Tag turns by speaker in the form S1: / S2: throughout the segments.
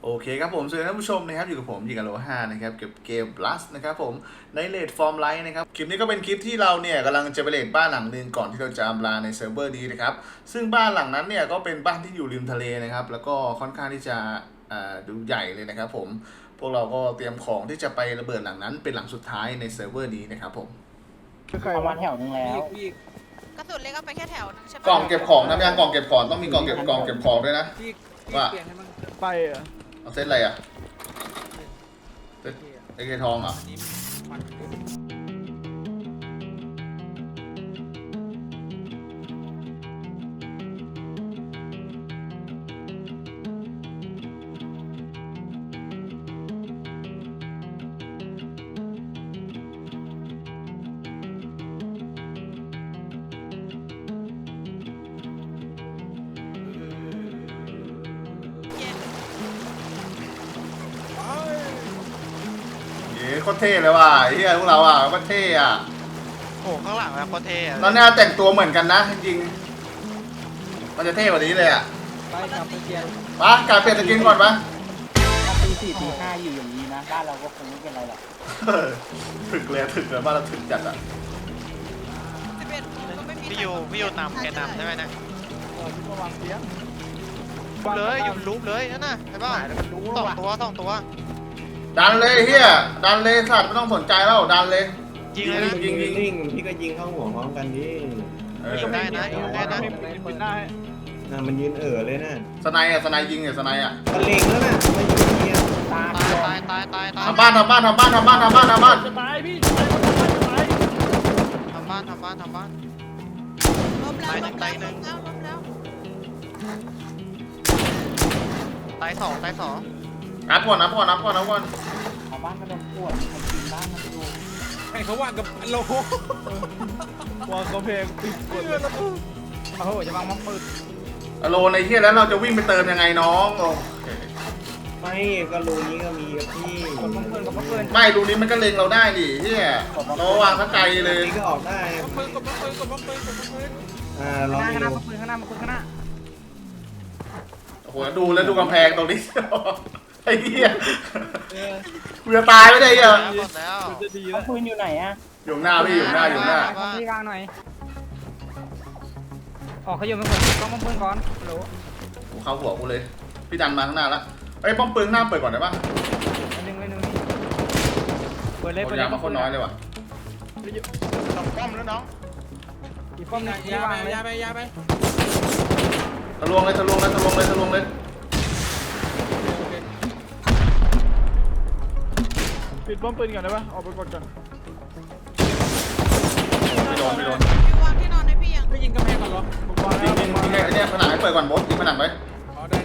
S1: โอเคครับผมสวัสดีท่านผู้ชมนะครับอยู่กับผมยิงกับโลห้านะครับเก็บเกม Plus นะครับผมในเลดฟอร์มไลท์นะครับคลิปนี้ก็เป็นคลิปที่เราเนี่ยกำลังจะไปเลดบ้านหลังนึงก่อนที่เราจะอำลาในเซิร์ฟเวอร์นี้นะครับซึ่งบ้านหลังนั้นเนี่ยก็เป็นบ้านที่อยู่ริมทะเลนะครับแล้วก็ค่อนข้างที่จะดูใหญ่เลยนะครับผมพวกเราก็เตรียมของที่จะไประเบิดหลังนั้นเป็นหลังสุดท้ายในเซิร์ฟเวอร์นี้นะครับผม
S2: ประมาณแถวนึงแล้ว
S3: กระสุนเล็กเอาไปแค่แถวนึงใช่ไหม
S1: กล่องเก็บของนะยังกล่องเก็บของต้องมีกล่องเก็บของด้วยนะว่า
S2: ไปเหรอ
S1: เอาเซตอะไรอะเซตไอเกทองเหรอ
S3: เย็น
S1: เย้โคตรเท่เลยว่ะไอ้เฮียพวกเราอ่ะโคตรเท่อ่ะ
S4: โอ้ข้างหลังนะโคตรเท่อะ
S1: ตอนนี้แต่งตัวเหมือนกันนะจริงๆมันจะเท่กว่านี้เลยอ่ะ
S2: ไปครับไปเกียร์
S1: ปะกายเปลี่ยนสกินก่อนปะ
S2: ถ้าตีสี่ตีห้าอยู่อย่างนี้นะบ้านเราก็คงไม่เป็นไรหรอก
S1: ถึกเลยบ้านเราถึกจัดอ่ะ
S3: 11ก็ไม่มี
S4: พี่ยูนำแกนำใช่ไหมนะ
S2: ที่ระวังเสียง
S4: เลยอยู่รูปเลยนั่นน่ะเห็นป่ะสองตัว
S1: ดันเลยเฮียดันเลยสัตว์ไม่ต้องสนใจแล้วดันเลย
S4: ยิงเลยนะ
S1: ยิง
S5: นิ่งๆพี่ก็ยิงเข้าหัวพร้อมกันดิ
S1: เออ
S4: ยิงได้นะยิงได้นะ
S2: เป็นได้
S5: น่ะมันยืนเลยนะ
S1: สไนอ่ะสไนยิงเนี่ยสไนอ่ะ
S5: มันเล็งแล้วนะมันยิงเงี้ย
S2: ตา
S4: ตาย
S1: ทำบ้าน
S2: จะตายพี่
S4: ทำบ้าน
S3: ล้มแล้ว
S4: ทำบ้าน
S3: ล้มแล้ว
S4: ตายสอง
S1: นับก่อน
S2: เอาบ้านมาโดนปวดมันกินบ้านมันดู
S6: ให้เขาว่ากับโล
S2: วางกระเพงปิดปวดโอ้โหจะวางมังปืน
S1: อโลในเฮียแล้วเราจะวิ่งไปเติมยังไงน้องโอเค
S5: ไม่ก็รูนี้ก็มีกับพี่
S2: กดมังปืนกับมังปืน
S1: ไม่รูนี้มันก็เล็งเราได้ดิเฮียเราวางสักไกลเลย
S5: นี่ก็ออกได้
S6: ปืนกับปืนกับปืนกับปืน
S5: ลอง
S2: ข้างห
S5: ดู
S2: น้ามังปืนข้างหน้ามังปืนข้างหน้า
S1: โอ้โหดูกำแพงตรงนี้ ไอ้เหี้ยกูจะตายไม่ได้เหี้ย
S4: หมดแล้ว
S2: จะดีแล้วปืนอยู่ไหนอะ
S1: อยู่หน้าพี่อยู่หน้า
S2: ที่กลางหน่อยออกเขาอยู่เป็นคนต้องมังปืนก่อนโหล
S1: กูเข้าหัวกูเลยพี่ดันมาข้างหน้าแล้วไอ้ป้อมปืนหน้าเปิดก่อนได้ปะ
S2: หนึ่งนี่เปิดเลย
S1: คนยามาคนน้อยเลยว่ะ
S4: สองป้อมแล้วน้อง
S2: อีกป้อมนึง
S6: ยา
S2: ที่วาง
S6: ไป
S2: เลย
S6: ยาไปยาไป
S1: ทะลวงเลย
S2: ปิดป้อมปืนก่อนได้ปะออกไปกดก่อน
S1: ไม่โดน
S3: พี่วางที่นอนให้พี่ยัง
S6: ไม่ยิงกำแพงก่อนเหรอ
S2: ผมวาง
S1: ยิ
S2: แล้ว
S1: งไอ้เนี่ยผนังให้เปิดก่อนบอสยิงผนังไว้
S6: อ๋อได้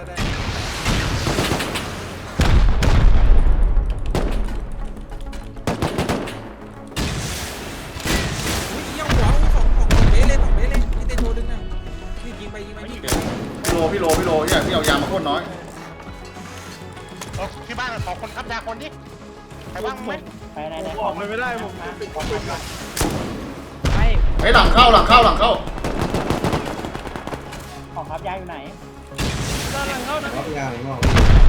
S6: ยังหัวของเบสเลยนี่เตโชดึงนะนี่ยิงไป
S1: พี่โลเนี่ยพี่เอายามาโคตรน้อย
S4: ที่บ้านขอคนขับยาคนดิใครว่างไหม
S2: ไปไหน
S6: ออกไม่ได้ผม
S2: ไม่
S1: ไอ้หลังเข้า
S2: ของครับยาอยู่ไหน
S5: รับยางงอก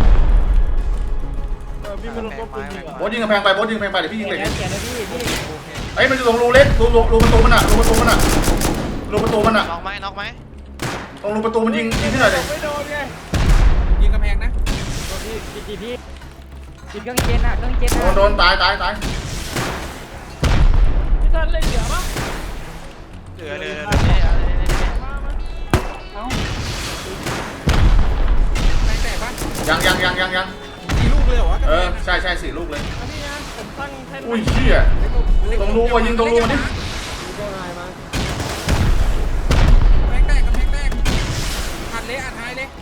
S6: พี่มันลงก็ปืนยิง
S1: บอสยิงกำแพงไปเดี๋ยวพี่ยิงเหล็ก
S2: เขียนเลยพี่
S1: ไอ้มันอยู่ตรงรูเล็กรูประตูมันอ่ะรูประตูมัน
S4: น็อกไหม
S1: ตรงรูประตูมันยิงที่ไหนเลย
S2: ไม่โดนไง
S6: ยิงกำแพงนะ
S2: พี่ปิดเครื่องเจนอะเครื่องเจนอะ
S1: โดนตาย
S2: พี่ท่านเล่นเหลือปะ
S4: เหลือ
S2: เอ้า
S6: แม่งแตกปะ
S1: ยัง
S6: กี่ลูกเลยเหรอ
S1: ใช่4 ลูกเลย
S2: พี่นะผมตั้งแท่น
S1: อุ้ยเชี่ยตรงรูว่ะยิงตรงรูมันดิ
S6: แม่งแตกกำแพงแตกอัดเลยอัดหายเลย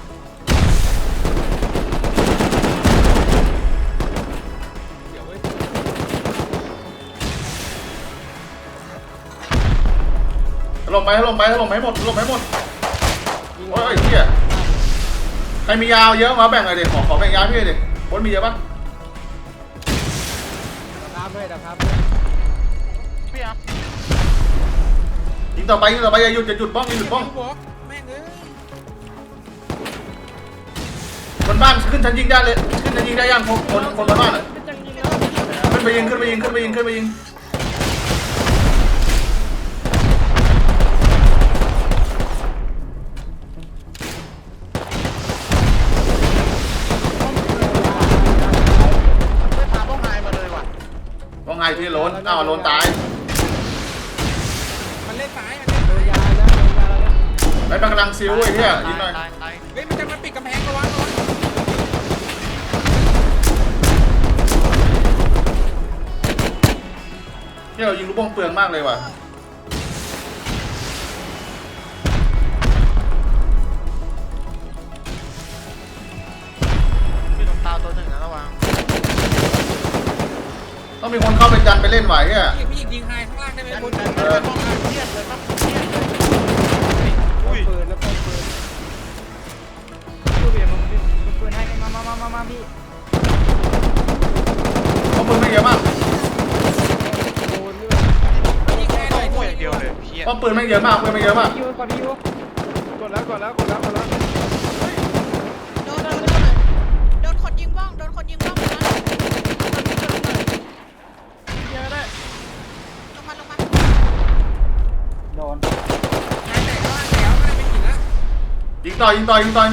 S6: เดี๋ยวเว้ย
S1: ถล่มให้หมดโอ้ยเชี่ยใครมียาวเยอะมาแบ่งเลยดิขอแบ่งยาพี่ดิคนมีเยอะปะ
S2: ครับ
S4: พี่อ่ะ
S1: ยิงต่อไปอย่าหยุดบ้อง
S6: บอกแม่งเอ้ย
S1: บนบ้านขึ้นชั้นยิงได้เลยขึ้นชั้นยิงได้ยังคนบนบ้านอ่ะขึ้นไปยิง
S4: ไม่พาพวกนายมาเลยว่ะ
S1: ว่าไงพี่โลนอ้าวโลนตาย
S6: มันเล่นซ้าย
S1: ไอ้มันกำลังซิวไอ้เหี้ยยิงหน่อย
S4: ตาย
S6: เฮ้ยมันจะมาปิดกำแพงระวัง
S1: เนี่ยเรายิงลูกโป่งเปลืองมากเลยว่ะ
S4: พี่ตรงตาตัวหนึ่งนะระวัง
S1: ต้องมีคนเข้าไปยันไปเล่นไหวเนี่ย
S6: พี่ยิงไฮข้างล่างได้ไหมคุณ
S4: ป้องกันเครียดเลยป้องเครียดเลยอุ้ย
S2: ปืนแล้วปืนดูเบียร์มึงปืนให้มาพี่
S1: เขาปืนไม่เยอะมาก
S6: ยิงแค่หน่อย
S4: โง่อย่างเดียวเลยเครียด
S1: เขาปืนไม่เยอะมากปืนไม่เยอะมาก
S2: ยูกดยูกดแล้ว
S3: โดนคนยิงบ้องนะ
S2: เยอะได้
S3: ลงมา
S2: โดน
S6: หายแตกล่างแล้วไม่ได้ไปกินละ
S1: ยิงต่อ
S3: นัดหนึ่ง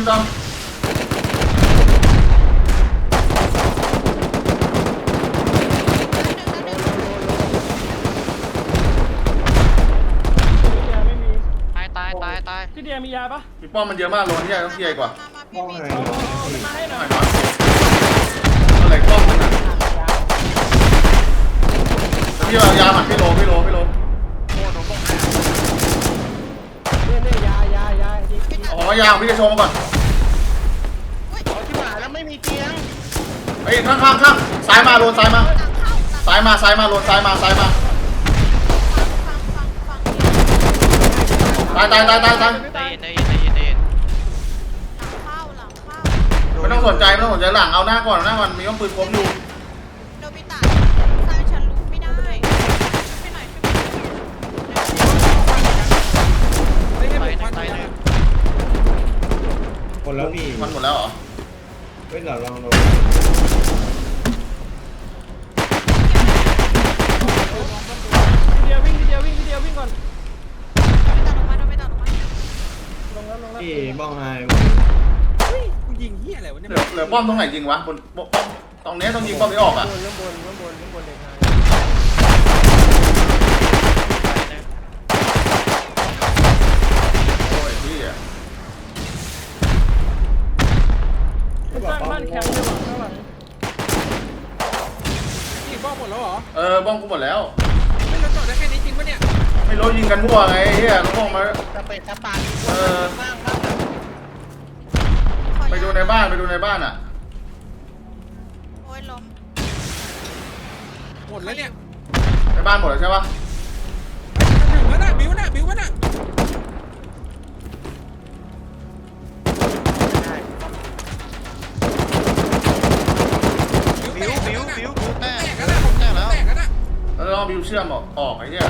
S2: ไม่มี
S4: ตาย
S2: พี่เดียมียาปะ
S1: มีป้อมมันเยอะมากโลนที่ใหญ่ต้องที่ใหญ่กว่า
S5: ป้องไง
S2: มาให้หน่อย
S1: หน่อยน้อยอะไรป้อมมันอ่ะพี่เอายาหมัดพี่โล
S4: โง่โดนป้องกัน
S2: เนี่ยยาดิ
S1: อ๋อยาของพี่จะโชว์มาก่อน
S4: เอาที่หมาแล้วไม่มีเตียง
S1: ไอ้ข้างซ้ายมาโลนซ้ายมาโลนซ้ายมาตาย
S3: ฟัง
S4: ใจเย็น
S3: หลังเข้า
S1: ไม่ต้องสนใจหลังเอาหน้าก่อนมีต้องปืนคมอยู่
S3: โนบิตะซ้ายฉันรู้ไม่ได้ไปหน่อย
S6: ไม่ให้
S4: ตาย
S6: ผม
S4: ตายหนึ่ง
S5: คนแล้วพี่
S1: มันหมดแล้วเหรอ
S5: เฮ้ยเดี๋ยวลองดู
S2: พี่เดียวิ่งก่อน
S3: โนบิตะลงมา
S2: ลงแล้ว
S5: พี่บ้องไฮ
S6: กูยิงเหี้ยอะไรวะเนี่ย
S1: เหลือป้อมตรงไหนยิงวะบนป้อมตรงนี้ต้องยิงป้อมไม่ออกอ่ะ
S2: ข้างบนเด็กไง
S1: โอ้ยพี่อ่ะ
S2: สร้างบ้านแคมป์เลยว่ะข้างหลัง
S6: ยิงบ้องหมดแล้วเหรอ
S1: ป้อมกูหมดแล้ว
S6: ไม่เราจอดได้แค่นี้จริงปะเนี่ย
S1: ไม่รู้ยิงกันมั่วไงเฮียลูกป้อมมา
S4: สเปซสปาร์
S1: ไปดูในบ้านอ่ะ
S3: โอ้ยล้ม
S6: หมดแล้วเนี่ย
S1: ในบ้านหมดแล้วใช่ปะ
S6: ถึงแล้วนะบิ้วนะ
S4: บิวแต
S6: แต
S4: ก
S6: กแล้วนะ
S4: แตกแล้ว
S6: แตกแล้วนะ
S1: แล้วต้องบิวเชื่อมออกไอ้เหี้ย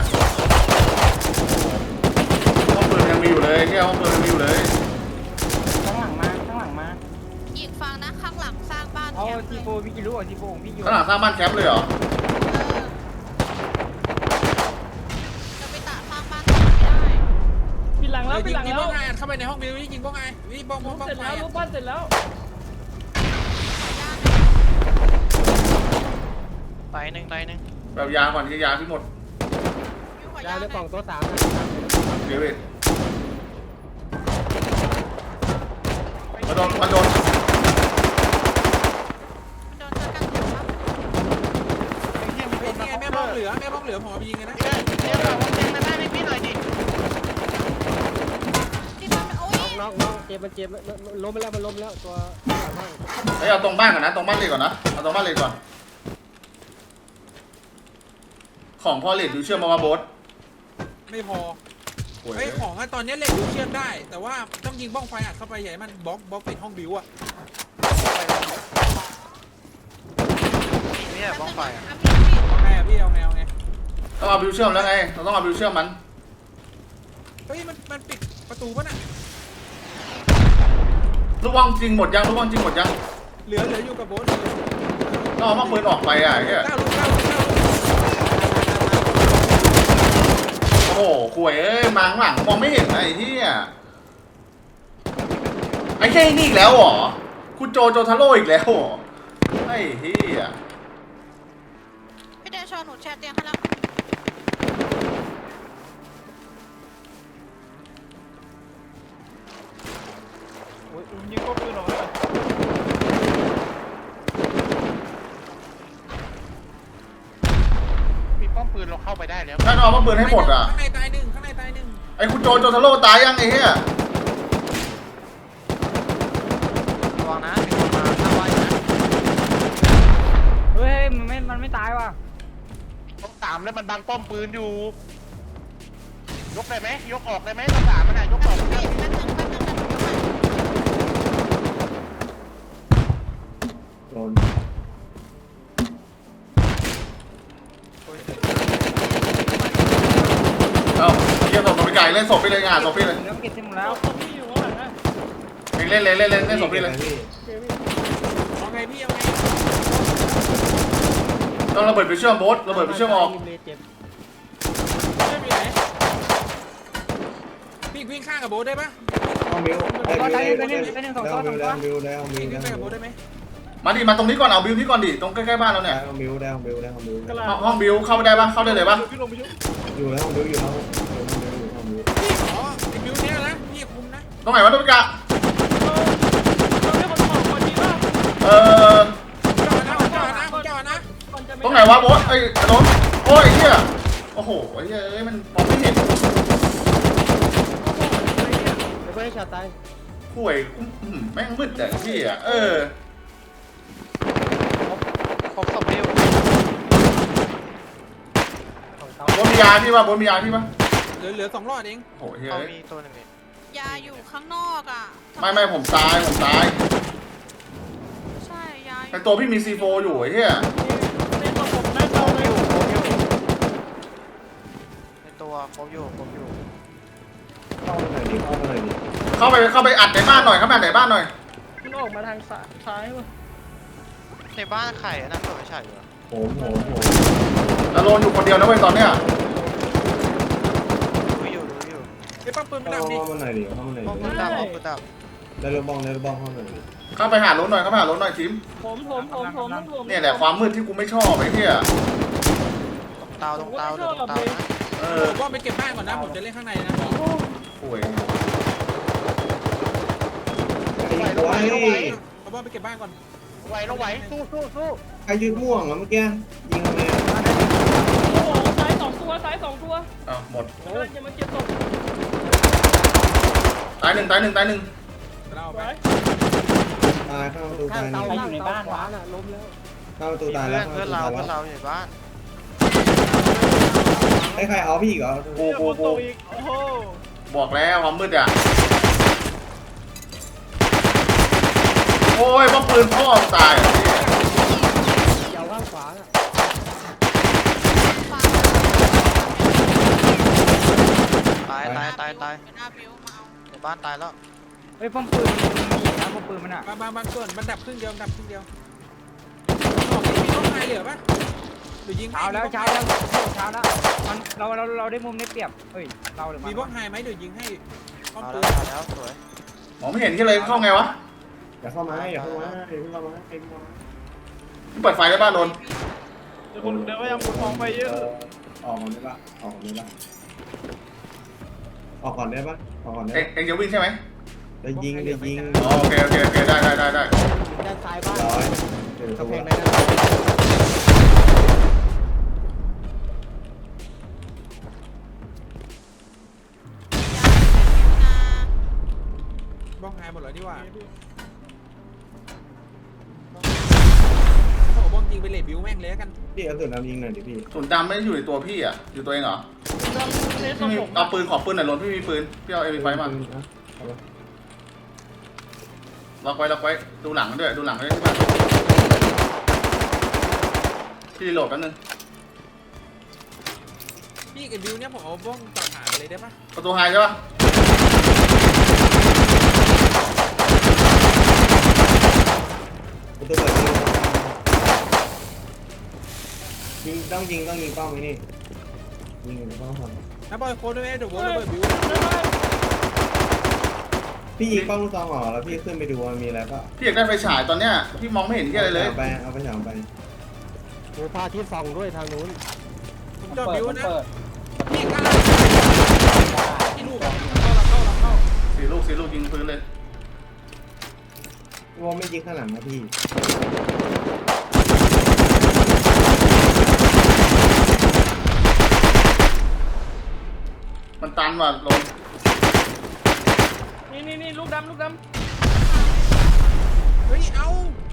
S1: ห้องปืนยังมีอยู่เลยเหี้ยห้องปืนยังมีอยู่เลย
S2: ข้างหลังมา
S3: อีกฟังนะข้างหลังสร้างบ้าน
S2: เอา
S3: แคมป์เล
S2: ที
S3: ย
S2: โฟพี่กิรู้อ่ะทีโฟของพี่อยู่
S1: ข้างหลังสร้างบ้านแคมป์เลยเหรอ
S3: โนบิตะสร้างบ้านไม่ได้
S2: ปิดหลังแล้ว
S6: ยิงบ้องไงเข้าไปในห้องบิ้วยิงบ้องไงวิ่งบ้อง
S2: เสร็จแล้วรูปปั้นเสร็จแล้ว
S4: ตายหนึ่ง
S1: แบบยาก่อนที่ยาพี่หมด
S2: ยาในกล่องตัว3
S1: เดวิดมาโดน
S3: มันโดนเจอกันอยู่ปะ
S6: เป็นไงแม่บ้องเหลือผมเอาไปยิงไงนะ
S4: เนี่ยเราเตียงมาได้ให้พี่หน่อยดิ
S3: ที่มันโอ้ย
S2: น้องเจ็บล้มไปแล้วมันล้มแล้วตัว
S1: เฮ้ยเอาตรงบ้านก่อนนะตรงบ้านเลยก่อนนะเอาตรงบ้านเลยก่อนของพอเลดดูเชื่อมมาโบส
S6: ไม่พอ
S1: โอ้ย
S6: ไอ้ของตอนนี้เหล็กดูเชื่อมได้ แต่ว่าต้องยิงบ้องไฟอัดเข้าไปใหญ่มันบล็อกปิดห้องบิ้วอะ
S4: เนี่ยบ้องไฟอ่ะ
S6: เอาไงพี่เอาไง
S1: ต้องเอาบิวเชื่อมแล้วไงเราต้องเอาบิวเชื่อมมัน
S6: เฮ้ยมันปิดประตูป่ะน่ะ
S1: ลูกว่างจริงหมดยังลูกว่างจริงหมดยัง
S6: เหลืออยู่กับโบ๊ท
S1: ต้องเอามาปืนออกไปอ่ะไอ้เหี้ย
S6: 9 ลูก
S1: โอ้โหข่วยเอ้ยมาข้างหลังมองไม่เห็นนะไอ้เหี้ยไอ้แค่นี้อีกแล้วเหรอคุณโจทาโร่อีกแล้วเหรอไอ้เหี้ย
S3: พี่เดชหนูแชร์เตียงให้แล้ว
S2: โอ้ยยิงก็ปืนออกเลย
S4: มีป้อมปืนเราเข้าไปได้แล้ว
S1: ถ้าเอามาปืนให้หมดอ่ะ
S6: ข้างในตายหนึ่งข้างในตายหนึ่ง
S1: ไอ้คุณโจทาโร่ตายยังไอ้เหี้ย
S4: ระวังนะมีคนมาทำไว้นะ
S7: เฮ้ยมันไม่ตายว่ะ
S4: ต้องสามแล้วมันบังป้อมปืนอยู่ ยกได้ไหมยกออกได้ไหมต้องสามมันน่ะยกออก
S3: พี่แป๊บนึงนะหนูยกมา
S5: โดน
S1: เอ้าเหี้ยศพไปไก่เล่นศพไปเลยงานศพไปเลย
S7: แล้วเก็บเสร็จหมดแล้ว
S2: พี่อยู่ข้างหลังนะ
S1: เองเล่นเลยเล่นเล่นศพไปเลย
S6: เอาไงพี่เอาไง
S1: ต้องระเบิดไปเชื่อมโบ๊ทระเบิดไปเชื่อมออก
S6: ไม่มีไหนพี่วิ่งข้างกับโบ๊ทได้ปะ
S5: ห้องมิวได้มิวได้มิวได้มิวได้มิวได้มิว
S6: พี่
S5: ได้
S6: วิ่งไป
S5: มิ
S6: กับ
S5: ว
S6: โบ๊ทได้ไหม
S1: มาดิมาตรงนี้ก่อนเอาบิวนี่ก่อนดิตรงใกล้ๆบ้านเราเนี่ย
S5: ได้ห้องมิวได้ห้องมิวได้ห้องมิว
S1: ห้องบิวเข้าไปได้ปะเข้าได้เลยปะ
S2: พี่ลงไปชุบ
S5: อยู่แล้วห้องมิวอยู่แล้วห้องมิว
S6: พี่ขอไอ้บิวเนี้ยนะพี่คุมนะ
S1: ตรงไหนวะตุ๊กตา
S2: เราได้คนบอกคนดีป่ะ
S1: เออ
S6: จอดนะ
S1: ตรงไหนวะโบ๊ทไอ้โดนโอ้ยไอ้เหี้ยโอ้โหไอ้เหี้ยเอ้ยมันมองไม่เห็น
S7: เดี๋ยวก็ให้ช็อตตาย
S1: ห่วยแม่งมืดแต่พี่อ่ะเออ
S4: ครบสมเร็ว
S1: โบ๊ทมียาพี่ปะโบ๊ทมียาพี่ปะ
S6: เหลือ2 รอดเอง
S1: โอ้โหเฮ้ย
S4: เอามีตัวหนึ่งนี่
S3: ยาอยู่ข้างนอกอ่ะ
S1: ไม่ผมตาย
S3: ใช่ยาอยู่
S1: แต่ตัวพี่มีซีโฟอยู่ไอ้เหี้ย
S2: ในตัวผมได้เตาเลย
S4: ในตัวครบอยู่
S5: เข้ามาหน่อยดิเข้ามาหน่อยดิ
S1: เข้าไปอัดในบ้านหน่อยเข้าไปอัดในบ้านหน่อย
S2: มันออกมาทางซ้ายว่ะ
S4: ในบ้านไข่อันนั้นตัวไม่ใช่เหรอ
S5: โหม
S1: แล้วโลนอยู่คนเดียวนะเว้ยตอนเนี้ย
S4: ดูอยู่
S6: ไอ้ปั๊มปืนไม่
S5: เข้า
S6: ดับดิ
S5: มาหน่อยดิเข้ามาหน่อย
S4: ป้อมปืน
S5: ดิ
S4: ดับป้อมปืนดับ
S5: ได้ลูกบ้องเข้ามาหน่อยดิ
S1: เข้าไปหาโลนหน่อยทีม
S2: ผม
S1: เนี่ยแหละความมืดที่กูไม่ชอบไอ้เหี้ย
S4: ตรงเตานะ
S1: เอ
S6: ผ
S1: อ
S6: มว่าไปเก็บบ้านก่อนนะผมจะเล่นข้างในนะ
S1: ห่วย
S5: ไอ้ไว้
S6: เอาว่าไปเก็บบ้านก่อน
S4: ไหวเราไหวสู้
S5: ใครยืดม่วงอ่ะเมื่อกี้ยิงทำไม
S2: โอ้โหซ้าย2 ตัวซ้าย2 ตัว
S1: อ้าวหมด
S2: กำลังจะมาเก็บศพ
S1: ตายหนึ่ง
S6: เราเอาไป
S5: ตายเข้าประตูตาย
S7: ใครอยู่ในบ้านวะน่ะล้มแล้ว
S5: เข้าประตู
S4: ๆ
S5: ตายแล้ว
S4: เพื่อนเราอยู่ในบ้าน
S5: ไอ้ใครเอาพี่อีกเหรอ
S1: กู
S2: อีกโอ้โห
S1: บอกแล้วความมืดอ่ะโอ้ยว่าปืนพ่อตาย
S7: ยาวข้างขวาน่ะ
S4: ตาย
S3: เป็นหน้าบิวมาเอา
S4: ในบ้านตายแล้ว
S7: เฮ้ยป้อมปืนมันมีนะป้อมปืนมันอ่ะ
S6: บางส่วนมันดับครึ่งเดียวดับครึ่งเดียวออกมีต้องไฮเหลือปะหรือยิง
S7: เช้าแล้วมันเราได้มุมได้เปรียบเฮ้ยเราหรือ
S6: มีบล็อกไฮไหมเดี๋ยวยิงให้ป้อม
S4: เอา
S6: ปื
S4: แล้วสวย
S1: มองไม่เห็นที่เลยเข้าไงวะ
S5: อย่าเข้ามาอย่าเข้ามาอย่าเข้ามา
S1: เปิดไฟได้บ้านโดน
S2: เดี๋ยวพยายามกดมองไปเยอะ
S5: ออกก่อนได้ปะออกก่อนได้ปะออกก่อนได้ปะออกก่อนได้
S1: เอ็งจะวิ่งใช่ไหม
S5: ได้ยิง
S1: อ๋อโอเคได้
S7: ด้านซ้ายบ้าน
S5: ร้อยเดี๋ยว
S7: กระเพ
S5: เพล
S7: ง
S5: ง
S7: ใน
S5: ได้
S7: นั้น
S6: บล็อกไฮหมดเลยดีกว่าเขาบอกบล็อกยิงไปเลดบิวแม่งเลยกัน
S5: พี่เอาสุดน้ำยิงหน่อยดิพี่
S1: ส่วนดำไม่ได้อยู่ในตัวพี่อ่ะอยู่ตัวเองเหรอ
S2: ในตั
S1: พี่
S2: ว
S1: มี
S2: ผม
S1: เอาปืนขอปืนหน่อยโดนพี่มีปืนพี่เอาเอ็มไฟมาล็อกไว้ดูหลังด้วยที่บ้านพี่รีโหลดแป๊บนึง
S6: พี่กับบิวเนี่ยผมเอาบ้องต่อฐานไปเลยได้ปะ
S1: ประตูไฮใช่ปะ
S5: ต้องยิงเป้าไว้นี่ยิงเป้าครับ
S6: นะบอยโค้ดด้วยไหมเดี๋ยวโว้ระเบิดบิว
S5: พี่ยิงเป้าลูกซองออกแล้วพี่ขึ้นไปดูว่ามีอะไรป่ะ
S1: พี่อยากได้ไฟฉายตอนเนี้ยพี่มองไม่เห็นที่อะไรเลย
S5: เอาไปฉายไป
S2: โอ้พาที่ส่องด้วยทางนู้น
S6: ผมจอดบิวนะ
S7: เปิด
S6: พี่กล้าที่ลูกเข้า
S1: สี่ลูกยิงพื้นเลย
S5: วอไม่ยิงข้างหลังนะพี่
S1: มันตันว่ะลง
S7: นี่ลูกดำ
S6: เฮ้ยเอา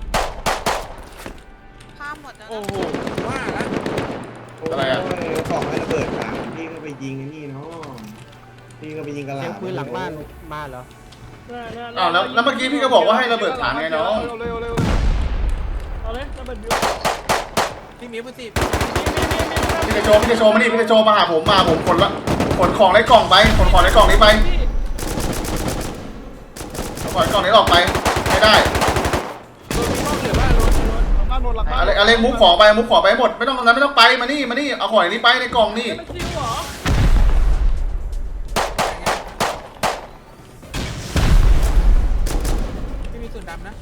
S3: ข้ามหมดแล้ว
S6: โอ้
S3: นะ
S6: โหว่าละ
S1: อะไรอ่ะ
S5: ของให้ระเบิดถังพี่ก็ไปยิงไอ้นี่เนาะพี่ก็ไปยิงกระห
S2: เสีย
S5: ล่ำ
S2: งปืนหลังบ้านมาเหรอ
S1: อ้าวแล้วเมื่อกี้พี่ก็บอกว่าให้ระเบิดฐานไงน้อง
S2: เร็ว
S7: เอาเลยระเบิดบิว
S6: พี่มีปืนสิ
S1: พี่จะโชว์มานี่พี่จะโชว์มาหาผมขนของในกล่องไปขนของในกล่องนี้ไปขนของในกล่องนี้ออกไปไม่ได้
S6: โดนมีบ้องเหลือว่าโดน
S2: บ้านโดนหลัง
S1: อะไรมุกของไปให้หมดไม่ต้องนั้นไม่ต้องไปมานี่เอาของนี้ไปในกล่องนี่
S7: มันซิวเหรอ
S6: พี่มีส่วนดำนะ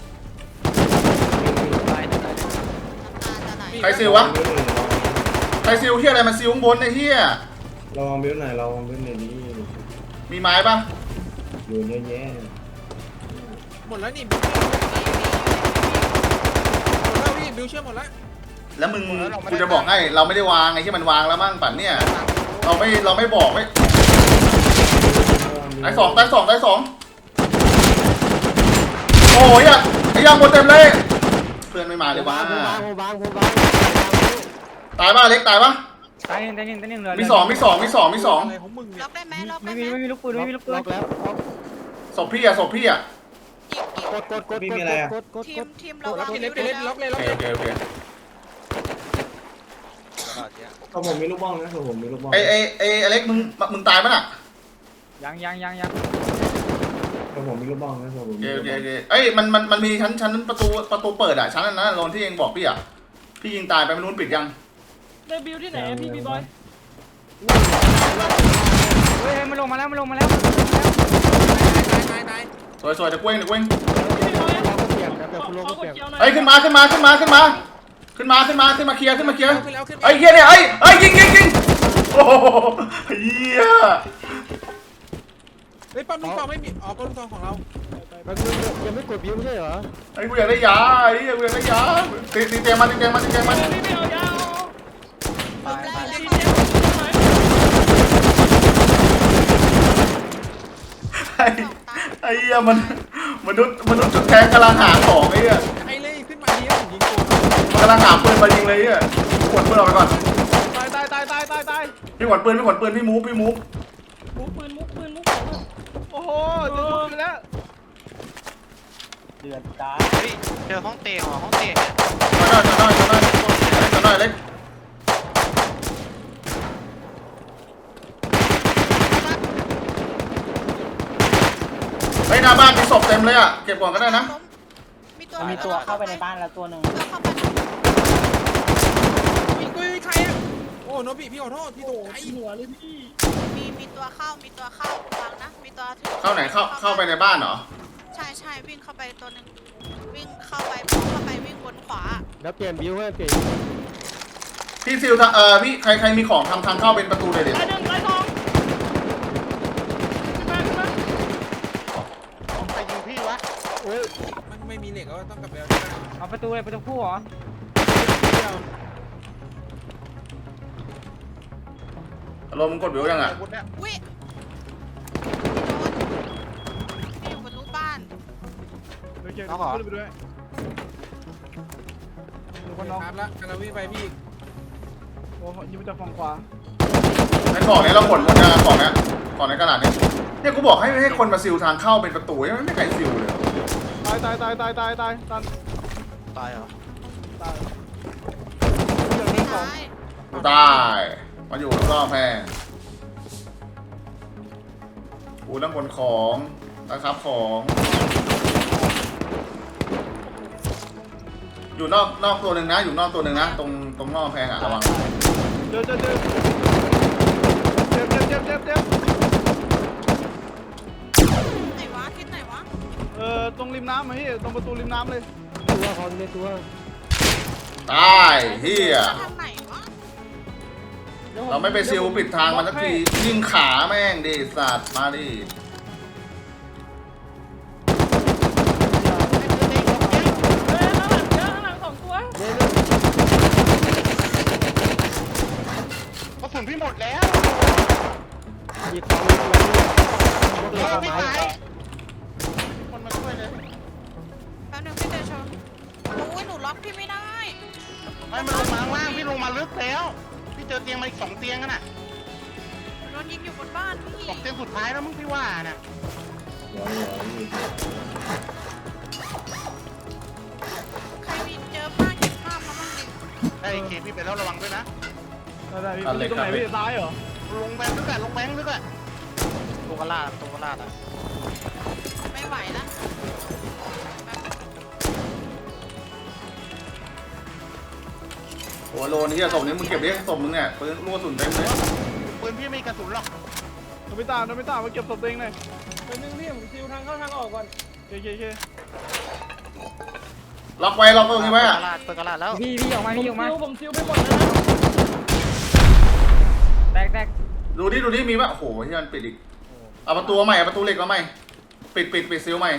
S3: จะไหน
S1: ใครซิลวะใครซิลเฮียอะไรมาซิลข้างบนไอ้เฮีย
S5: ลองบิ้วหน่อยลองบิ้วหน่อยดิ
S1: มีไม้ปะ
S5: อยู่เยอะแยะ
S6: หมดแล้วนี่หมดแล้วพี่บิวเชื่อหมดแล้ว
S1: แล้วมึงกูจะบอกให้เราไม่ได้วางไอ้ที่มันวางแล้วมั่งปั่นเนี่ยเราไม่บอกไม่ตายสองโอ้ยไอ้ยังหมดเต็มเลยเพื่อนไม่มาเลยวะ
S2: ผมวาง
S1: ตายป่ะเล็กตายป่ะ
S7: ตายหนึ่งเหลือ
S1: มีสอง
S6: อะไรของมึงเนี่ย
S3: ล็อกได้ไหมล็อกได้
S7: ไม่
S3: ไหม
S7: มีลูกปืน
S2: ล็อกแล้ว
S1: ศพพี่อะ
S3: อีก
S2: กด
S3: ทีมระวัง
S6: พี่เล็กล็อกเลย
S1: โอเค
S5: ก็ผมมีลูกบ้องนะผมมีลูกบ้อง
S1: ไอ้อเล็กมึงตายป่ะน่ะ
S7: ยัง
S5: ก็ผมมีลูกบ้องนะผม
S1: โอเคเอ้ยมันมีชั้นประตูเปิดอะชั้นนั้นนะโซนที่เองบอกพี่อะพี่ยิงตายไปไม่รู้ปิดยัง
S7: ได้บิวที่ไหนพี่บีบอยเฮ้ยมันลงมาแล้ว
S6: ตาย
S1: สวยเดี๋ยวเว้ง
S2: เราก็เปลี่ยนเดี๋ยวคุณโลก็เปลี่ยน
S1: เอ้ยขึ้นมาเคลียร์ไอ้เฮียเนี่ยไอ้ยิงโอ้โหเฮีย
S6: เฮ้ยปั๊มลูกซองไม่มีอ๋อปั๊มลูกซองของเรา
S2: มันยังไม่กดบิวไม่ใช่เหรอ
S1: ไอ้กูอยากได้ยาตีเตียงมัน
S3: ล้มได้
S1: ไอ้เหี้ยมนุษย์จุดแทงกำลังหาของไอ้เหี้ย
S6: ไอ้เลยขึ้นมาดีแล้วยิงโกง
S1: มันกำลังหาปืนมายิงเลยไอ้เหี้ยขวดปืนออกไปก่อน
S2: ตาย
S1: พี่ขวดปืนพี่มูฟ
S7: มุกปืน
S2: โอ้โหจะลุกแล้ว
S7: เดือดตา
S4: เจอห้องเตะห้องเตะ
S1: จะน้อยเล็กไอ้หน้าบ้านมีศพเต็มเลยอ่ะเก็บก่อนก็ได้นะ
S3: มีตัว
S7: เข้าไปในบ้านแล้วตัวหนึ่ง
S3: เข้าไป
S6: ยิงกูใครอ่ะโอ้โนบิพี่ขอโทษพี่ตกใจ
S7: หัวเลยพี่
S3: มีตัวเข้าฟังนะมีตัวถึง
S1: เข้าไหนเข้าไปในบ้านเหรอ
S3: ใช่วิ่งเข้าไปตัวนึงวิ่งเข้าไปวิ่งบนขวา
S2: แล้วเปลี่ยนบิวให้เปลี่ยน
S1: พี่ซิลพี่ใครมีของทำทางเข้าเป็นประตูเลยเด็ด
S7: ตายหนึ่งตายสองขึ้นมา
S4: ใครยิงพี่วะ
S2: โอ้ย
S6: มันไม่มีเหล็กก็ต้องกลับไปเอา
S7: เอาประตูเลยประตูคู่เหรอ
S1: อารมณ์กดวิวยังอ่ะ
S3: อุ้ยโดนอยู่บนรูปบ้าน
S2: เดี๋ยวขึ้นไปด้วย
S6: คนน้องครับแล้วกำลังวิ่งไปพี่
S2: โอ้ยิงมาจากฝั่งขวา
S1: ในกล่องนี้เราขนหมดนะกล่องในกระดาษเนี่ยกูบอกให้คนมาซิลทางเข้าเป็นประตูไม่มีใครซิลเลย
S2: ตาย
S4: ตายเหรอ
S2: ตาย
S1: ได้มาอยู่รอบแพร่กูต้องขนของนะครับของอยู่นอกตัวหนึ่งนะ อยู่นอกตัวหนึ่งนะ ตรงนอกแพงอ่ะระวัง
S2: เจอเจ็บ
S3: ไหนวะทิศไหนวะ
S2: ตรงริมน้ำไหมพี่ตรงประตูริมน้ำเลย
S7: ตัวเขาเลยตัว
S1: ตายเฮีย
S3: ทางไหนวะ
S1: เราไม่ไปซิลปิดทางมันสักทียิงขาแม่งดิสัตว์มาดิ
S4: กระสุนพี่หมดแล้ว
S7: หยิบของ
S4: ไม่ตายคนมาช่วยเลย
S3: แป๊บนึงพี่เตชนโอ้ยหนูล็อกพี่ไม่ได้
S4: ไม่มันลงมาข้างล่างพี่ลงมาลึกแล้วพี่เจอเตียงมาอีก2 เตียงกันน่ะ
S3: โดนยิงอยู่บนบ้านพี่
S4: 2 เตียงสุดท้ายแล้วมึงพี่ว่าน่ะ
S3: ใครมีเจอป้าเก็บภาพมาบ้างดิ
S4: ได้เคพี่ไปแล้วระวังด้วยนะ
S2: ได้พี่ตรงไหนพี่ซ้ายเหรอ
S4: ลงแบงค์ลึกอะลงแบงค์ลึกอะ
S7: ตรงกระลาดอ่ะ
S3: ไม่ไหวแล้ว
S1: โอ้โลนี่ศพนี้มึงเก็บดิศพมึงเนี่ยปืนลูกกระสุนเต็มเลย
S4: ปืนพี่ไม่มีกระสุนหรอก
S2: โนบิตะมาเก็บศพตัวเองหน่อย
S7: เป็นนึงพี่ผมซิวทางเข้าทางออกก่อน
S2: เค
S1: ล็อกไว้ตรงนี้ไว้อะ
S7: พี่ออกมาผมซิวไปหมดแล้วแตก
S1: ดูดิมีปะโอ้โหที่มันปิดอีกเอาประตูใหม่เอาประตูเหล็กมาใหม่ปิดซิลใหม่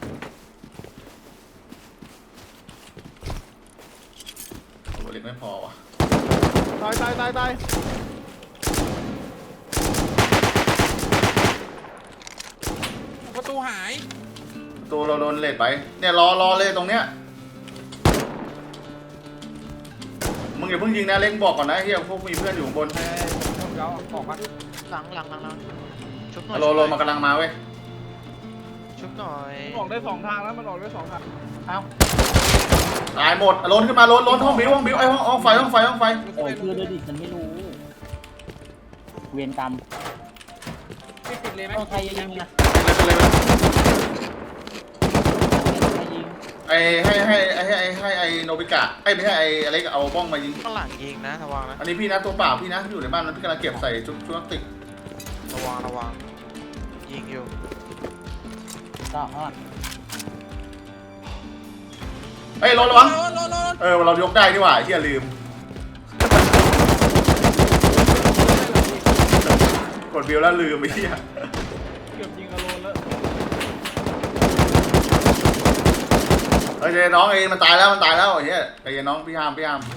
S1: ตัวเหล็กไม่พอว่ะ
S2: ตาย
S6: ประตูหาย
S1: ประตูเราโดนเลทไปเนี่ยรอเลยตรงเนี้ยมึงอย่าเพิ่งยิงนะเล็กบอกก่อนนะเฮียพวกมีเพื่อนอยู่ข้างบน
S7: ผมเอาออกมา
S8: หลังชุบหน่อย
S1: โลมากำลังมาเว้ย
S8: ชุบหน่อย
S2: มันออกได้2 ทางแล้วมันออกได้2 ทาง
S1: ตายหมดโลนขึ้นมาโลนห้องบิวไอ้ห้องไฟ
S7: โอ้คือเลยดิฉันไม่รู้เวรกรรม
S6: ไม่ปิดเลยไหม
S7: ใครยิงนะ
S1: ไอ้ให้ไอ้โนบิกะไอ้ไม่ใช่ไอ้อะไรก็เอาบ้องมายิง
S8: ข้างหลังยิงนะระวังนะ
S1: อันนี้พี่นะตัวเปล่าพี่นะอยู่ในบ้านนั้นพี่กำลังเก็บใส่ชุดพลาสติก
S8: ระวังยิงอยู่
S7: ก็ฮะ
S1: เฮ้ยรถระวัง
S6: รถ
S1: เรายกได้นี่หว่าเฮียลืมกดบิวแล้วลืมไอ้เฮีย
S2: เกือบยิงอโลนแล้ว
S1: เฮ้ยน้องเองมันตายแล้วไอ้เฮียไอ้น้องพี่ฮาม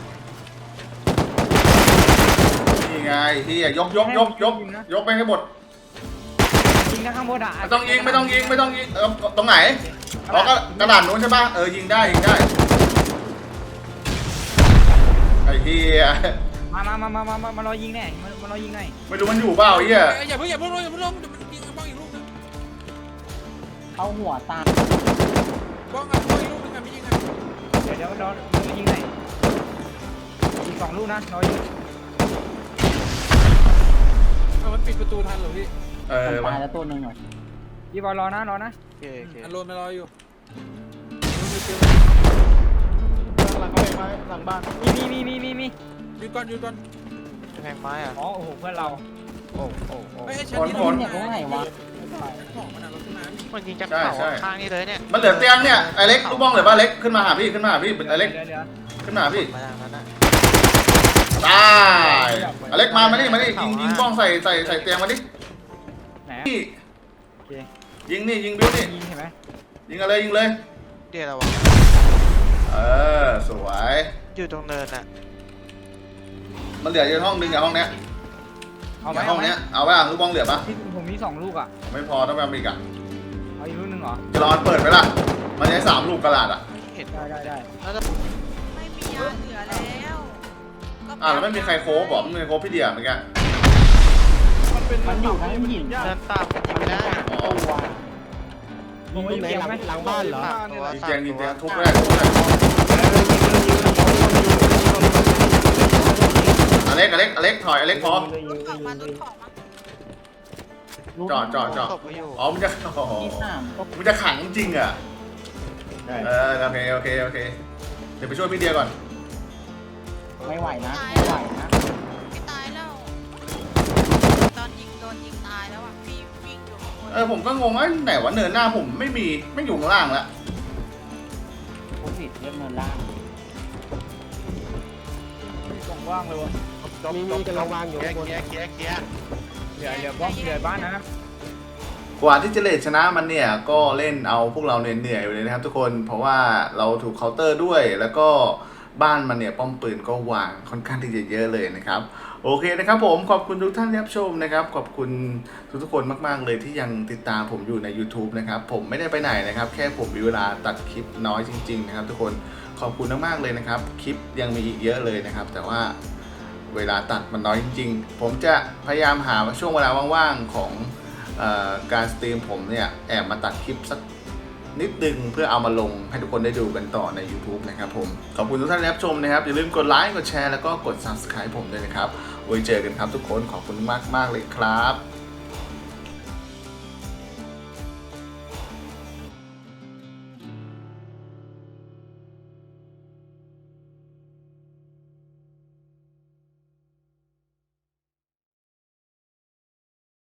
S1: นี่ไงเฮียยกไปให้หมด
S7: ยิงนะข้างบนอ่ะ
S1: ไม่ต้องยิงตรงไหนอ๋อก็กระดานนู้นใช่ป่ะยิงได้ไอ้เฮีย
S7: มารอยิงแน่มารอยิงหน่อย
S1: ไม่รู้มันอยู่เปล่าไอ้เฮีย
S6: อย่าเพิ่งลงเดี๋ยวมันยิงบ้องอีกลูกนึง
S7: เข้าหัวตา
S6: บ้องอีกลูกนึงไม่ยิง
S7: เดี๋ยวรอยิงหน่อยอีก2 ลูกนะรอยิง
S6: มันปิดประตูทันเหรอพี่
S7: ตายแล้วตัวนึงอ่ะพี่บอลรอนะ
S8: โอเค
S6: อันโลนมารออยู่
S2: หลังกำแพงไม้หลังบ้าน
S7: มี
S6: ยืนก่อน
S8: แพงไม้อ่ะ
S7: อ๋อโอ้โหเพื่อนเรา
S8: โอ้
S6: ไอ้ชั้นนี้
S7: ของมันอ่ะรถขึ้นมา
S8: มันยิงจากเขาข้างนี้เลยเนี่ย
S1: มันเหลือเตียงเนี่ยไอ้เล็กลูกบ้องเหลือป่ะเล็กขึ้นมาหาพี่ไอ้เล็ก
S7: เดี๋ยว
S1: ขึ้นมาหาพี่
S8: มาอย่างนั้นนะ
S1: ตายไอ้เล็กมานี่ยิงบ้องใส่เตียงมาดิ
S7: ไหน
S1: นี่
S7: โอเค
S1: ยิงบิวนี่
S7: ยิงเห็นไหม
S1: ยิงเลย
S8: เดี๋ยวระวัง
S1: สวย
S8: อยู่ตรงเนินอ่ะ
S1: มันเหลืออยู่ห้องนึงกับห้องเนี้ย
S7: เอาไหม
S1: ห้องเนี้ยเอาไว้ลูกบ้องเหลือปะ
S7: ผมมี2 ลูกอ่ะ
S1: ไม่พอต้องไปเอาอีกอ่ะ
S7: เอาอีกลูกนึงเหรอ
S1: จะรอเปิดไปล่ะมันใช้3 ลูกกระดาษอ่ะ
S8: เห็น
S7: ได้
S8: แล้วจะ
S3: ไม่มียาเหลือแล้วก็
S1: แล้วไม่มีใครโค้บอกไม่มีใครโค้พี่เดียเมื่อกี้
S2: มันอยู่ทั้งหิน
S8: เดินตามกันยิงได้
S1: อ๋อ
S7: ยิงตรงไหนหลังบ้านเหรอ
S1: ยิงเตียงทุบได้อเล็กถอยอเล็กพอ
S3: รถของมา
S1: จอด
S8: ตกไปอยู่
S1: อ๋อมันจะขังจริงอ่ะโอเคเดี๋ยวไปช่วยพี่เดียก่อน
S7: ไม่ไหวนะไม่ไหวนะ
S3: พี่ตายแล้วตอนยิงโดนยิงตายแล้วอ่ะพี่วิ่งอยู่ข้างบน
S1: ผมก็งงว่าไหนวะเนินหน้าผมไม่มีไม่อยู่ข้างล่างละ
S7: ผมผิดเรื่องเนินล่าง
S2: มีกล่องว่างเลยวะ
S4: มีกำลังวางอยู่เคลียร์
S7: เหลือบ้องเหลือบ้านนะ
S1: กว่าที่จะเลดชนะมันเนี่ยก็เล่นเอาพวกเราเหนื่อยๆอยู่เลยนะครับทุกคนเพราะว่าเราถูกเคาน์เตอร์ด้วยแล้วก็บ้านมันเนี่ยป้อมปืนก็วางค่อนข้างที่จะเยอะเลยนะครับโอเคนะครับผมขอบคุณทุกท่านที่รับชมนะครับขอบคุณทุกๆคนมากๆเลยที่ยังติดตามผมอยู่ใน YouTube นะครับผมไม่ได้ไปไหนนะครับแค่ผมมีเวลาตัดคลิปน้อยจริงๆนะครับทุกคนขอบคุณมากๆเลยนะครับคลิปยังมีอีกเยอะเลยนะครับแต่ว่าเวลาตัดมันน้อยจริงๆผมจะพยายามหาช่วงเวลาว่างๆของการสตรีมผมเนี่ยแอบมาตัดคลิปสักนิดนึงเพื่อเอามาลงให้ทุกคนได้ดูกันต่อใน YouTube นะครับผมขอบคุณทุกท่านที่รับชมนะครับอย่าลืมกดไลค์กดแชร์แล้วก็กด Subscribe ผมด้วยนะครับไว้เจอกันครับทุกคนขอบคุณมากๆเลยครับ